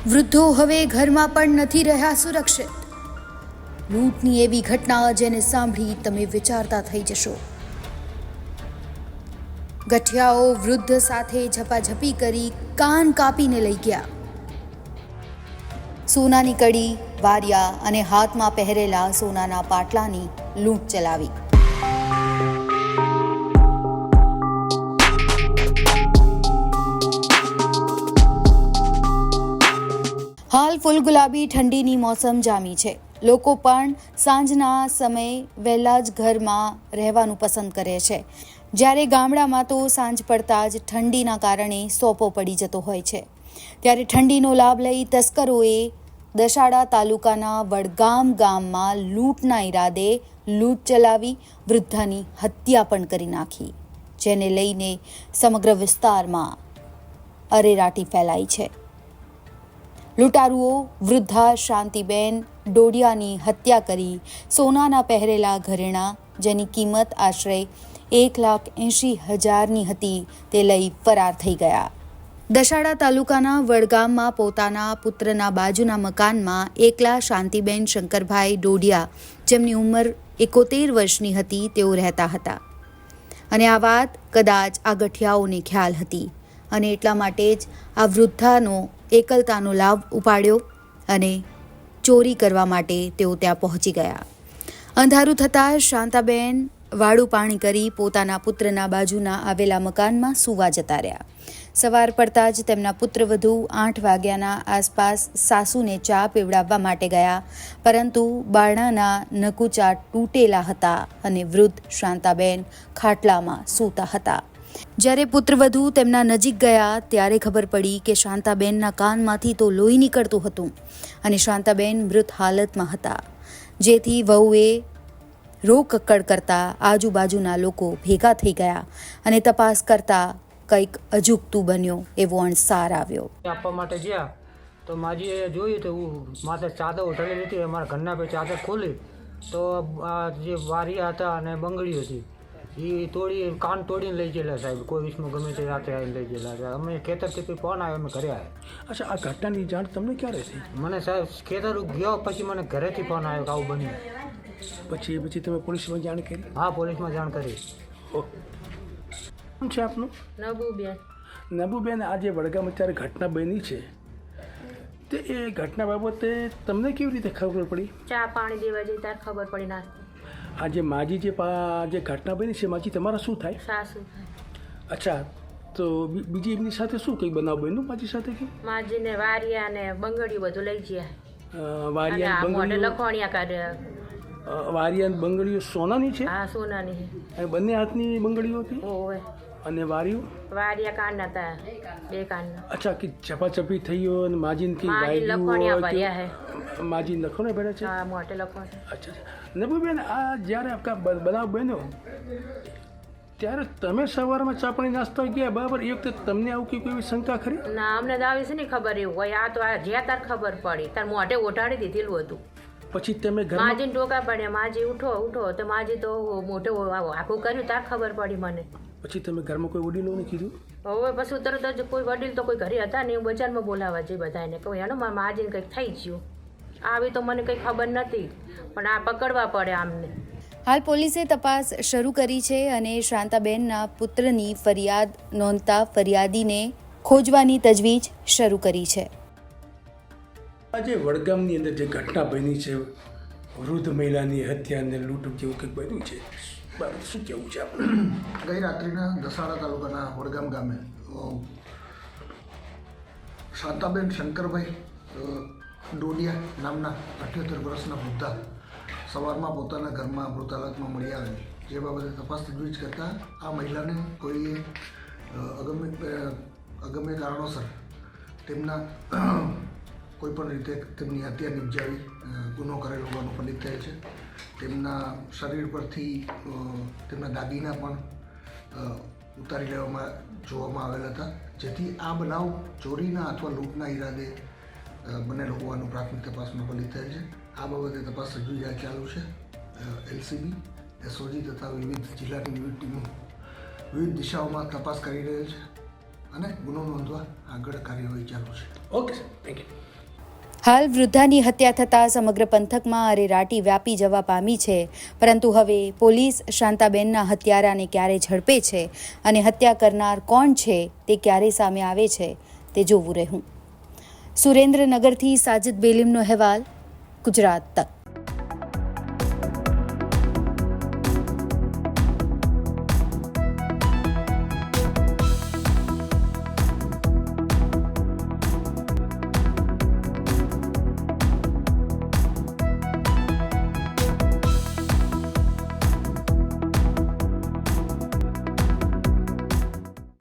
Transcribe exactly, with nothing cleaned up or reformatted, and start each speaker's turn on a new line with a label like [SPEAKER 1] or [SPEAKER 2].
[SPEAKER 1] વૃદ્ધો હવે ઘરમાં પણ નથી રહ્યા સુરક્ષિત. લૂંટની એવી ઘટના જેને સાંભળી તમે વિચારતા થઈ જશો. ગઠિયાઓ વૃદ્ધ સાથે ઝપાઝપી કરી કાન કાપીને લઈ ગયા. સોનાની કડી, વારિયા અને હાથમાં પહેરેલા સોનાના પાટલાની લૂંટ ચલાવી. હાલ ફૂલ ગુલાબી ઠંડીની મોસમ જામી છે. લોકો પણ સાંજના સમયે વહેલા જ ઘરમાં રહેવાનું પસંદ કરે છે, જ્યારે ગામડામાં તો સાંજ પડતા જ ઠંડીના કારણે સોપો પડી જતો હોય છે. ત્યારે ઠંડીનો લાભ લઈ તસ્કરોએ દસાડા તાલુકાના વડગામ ગામમાં લૂંટના ઈરાદે લૂંટ ચલાવી વૃદ્ધાની હત્યા પણ કરી નાખી, જેને લઈને સમગ્ર વિસ્તારમાં અરેરાટી ફેલાઈ છે. લૂંટારુઓ વૃદ્ધા શાંતિબેન ડોડિયાની હત્યા કરી સોનાના પહેરેલા ઘરેણાં, જેની કિંમત આશરે એક લાખ એંશી હજારની હતી, તે લઈ ફરાર થઈ ગયા. દસાડા તાલુકાના વડગામમાં પોતાના પુત્રના બાજુના મકાનમાં એકલા શાંતિબેન શંકરભાઈ ડોડિયા, જેમની ઉંમર એકોતેર વર્ષની હતી, તેઓ રહેતા હતા. અને આ વાત કદાચ આ ગઠિયાઓને ખ્યાલ હતી અને એટલા માટે જ આ વૃદ્ધાનો એકલતાનો લાભ ઉપાડ્યો અને ચોરી કરવા માટે તેઓ ત્યાં પહોંચી ગયા. અંધારું થતાં શાંતાબેન વાળું પાણી કરી પોતાના પુત્રના બાજુના આવેલા મકાનમાં સૂવા જતા રહ્યા. સવાર પડતા જ તેમના પુત્રવધુ આઠ વાગ્યાના આસપાસ સાસુને ચા પીવડાવવા માટે ગયા, પરંતુ બારણાના નકુચા તૂટેલા હતા અને વૃદ્ધ શાંતાબેન ખાટલામાં સૂતા હતા. જ્યારે પુત્રવધુ તેમના નજીક ગયા ત્યારે ખબર પડી કે શાંતાબેનના કાનમાંથી તો લોહી નીકળતું હતું અને શાંતાબેન મૃત હાલતમાં હતા. જેથી વહુએ રોકકડ કરતા આજુબાજુના લોકો ભેગા થઈ ગયા અને તપાસ કરતા કંઈક અજુગતું બન્યો એવો અણસાર આવ્યો.
[SPEAKER 2] આપવા માટે ગયા તો માજીએ જોયું તો માથે ચાદર ઉઠાડી હતી. અમારા ઘરના પે ચાદર ખોલી તો આ જે વારિયા હતા અને બંગડીઓ હતી એ તોડી કાન તોડીને લઈ ગયેલા સાહેબ. કોઈ વિષમાં ગમે તે રાતે આવીને લઈ ગયેલા. અમે ખેતરથી ફોન આવ્યો, અમે ઘરે આવ્યા.
[SPEAKER 3] અચ્છા, આ ઘટનાની જાણ તમને ક્યારે થઈ?
[SPEAKER 2] મને સાહેબ ખેતર ગયો પછી મને ઘરેથી ફોન આવ્યો કે આવું બન્યું.
[SPEAKER 3] પછી પછી તમે પોલીસમાં જાણ કરી?
[SPEAKER 2] હા, પોલીસમાં જાણ કરી.
[SPEAKER 3] શું છે આપનું?
[SPEAKER 4] નબુબેન.
[SPEAKER 3] નબુબેન, આ જે વડગામ અત્યારે ઘટના બની છે તે એ ઘટના બાબતે તમને કેવી રીતે ખબર પડી?
[SPEAKER 4] ચા પાણી દેવા જઈ ત્યારે ખબર પડી. ના,
[SPEAKER 3] આ જે માજી જે પા જે ઘટના બની છે, માજી તમારા શું થાય?
[SPEAKER 4] સાસુ.
[SPEAKER 3] અચ્છા, તો બીજી એમની સાથે શું કંઈ બનાવ બન્યું માજી સાથે? કે
[SPEAKER 4] માજીને વારિયા ને બંગડીઓ બધું લઈ ગયા.
[SPEAKER 3] વારિયા
[SPEAKER 4] મોઢે લખોણિયા કાઢ્યા.
[SPEAKER 3] વારિયા બંગડીઓ સોનાની છે?
[SPEAKER 4] હા, સોનાની.
[SPEAKER 3] અને બંને હાથની બંગડીઓ હતી?
[SPEAKER 4] ઓવે.
[SPEAKER 3] અને વારિયું?
[SPEAKER 4] વારિયા કાનના હતા, બે કાનના.
[SPEAKER 3] અચ્છા, કે ચપાચપી થઈ ગયો અને માજીને કે
[SPEAKER 4] માજી લખોણિયા ભર્યા હે.
[SPEAKER 3] માજી લખોને ભર્યા છે?
[SPEAKER 4] હા, મોઢે લખોણ.
[SPEAKER 3] અચ્છા, નબુબેન, આ જ્યારે આપકા બનાવ બન્યો ત્યારે તમે સવારમાં ચા પાણી નાસ્તો ગયા, બરાબર? એ વખતે તમને આવું કે કોઈ શંકા ખરી?
[SPEAKER 4] ના, અમને તો આવી છે ને ખબર એવું હોય. આ તો આ જ્યાં તાર ખબર પડી તાર મોઢે ઓઢાડી દીધેલું હતું.
[SPEAKER 3] પછી તમે ઘર
[SPEAKER 4] માજીને ટોકા પડ્યા, માજી ઉઠો ઉઠો તો માજી તો મોઢે આખું કર્યું તાર ખબર પડી મને.
[SPEAKER 3] પછી તમે ઘરમાં કોઈ વડીલોને કીધું?
[SPEAKER 4] હવે પછી તરત જ કોઈ વડીલ તો કોઈ ઘરે હતા ને, હું બજારમાં બોલાવવા જઈ બધાને કહું હેનો મારા માજીને કંઈક થઈ ગયું. આવી તો મને કંઈ ખબર નથી, પણ આ પકડવા પડે આમને.
[SPEAKER 1] હાલ પોલીસે તપાસ શરૂ કરી છે અને શાંતાબેનના પુત્રની ફરિયાદ નોંધતા ફરિયાદીને ખોજવાની તજવીજ શરૂ કરી છે.
[SPEAKER 3] આજે વડગામની અંદર જે ઘટના બની છે, વૃદ્ધ મહિલાની હત્યા અને લૂંટ જેવું કંઈક બન્યું છે, શું કહેવું છે આપણે?
[SPEAKER 5] ગઈ રાત્રિના દસાડા તાલુકાના વડગામ ગામે શાંતાબેન શંકરભાઈ ડોડિયા નામના અઠ્યોતેર વર્ષના વૃદ્ધા સવારમાં પોતાના ઘરમાં મૃત હાલતમાં મળી આવેલી. જે બાબતે તપાસ તજવીજ કરતાં આ મહિલાને કોઈએ અગમ્ય અગમ્ય કારણોસર તેમના કોઈપણ રીતે તેમની હત્યા નિપજાવી ગુનો કરેલો હોવાનું ફલિત થયેલ છે. તેમના શરીર પરથી તેમના દાગીના પણ ઉતારી લેવામાં જોવામાં આવેલા હતા, જેથી આ બનાવ ચોરીના અથવા લૂંટના ઈરાદે બનેલો હોવાનું પ્રાથમિક તપાસમાં ફલિત થયેલ છે. આ બાબતે તપાસ તજવીજ ચાલુ છે. એલસીબી, એસઓજી તથા વિવિધ જિલ્લાની વિવિધ ટીમો વિવિધ દિશાઓમાં તપાસ કરી રહેલ છે અને ગુનો નોંધવા આગળ કાર્યવાહી ચાલુ છે.
[SPEAKER 3] Okay sir, thank you.
[SPEAKER 1] હાલ વૃદ્ધાની હત્યા થતાં સમગ્ર પંથકમાં અરેરાટી વ્યાપી જવા પામી છે, પરંતુ હવે પોલીસ શાંતાબેનના હત્યારાને ક્યારે ઝડપે છે અને હત્યા કરનાર કોણ છે તે ક્યારે સામે આવે છે તે જોવું રહ્યું. સુરેન્દ્રનગરથી સાજિદ બેલીમનો અહેવાલ, ગુજરાત તક.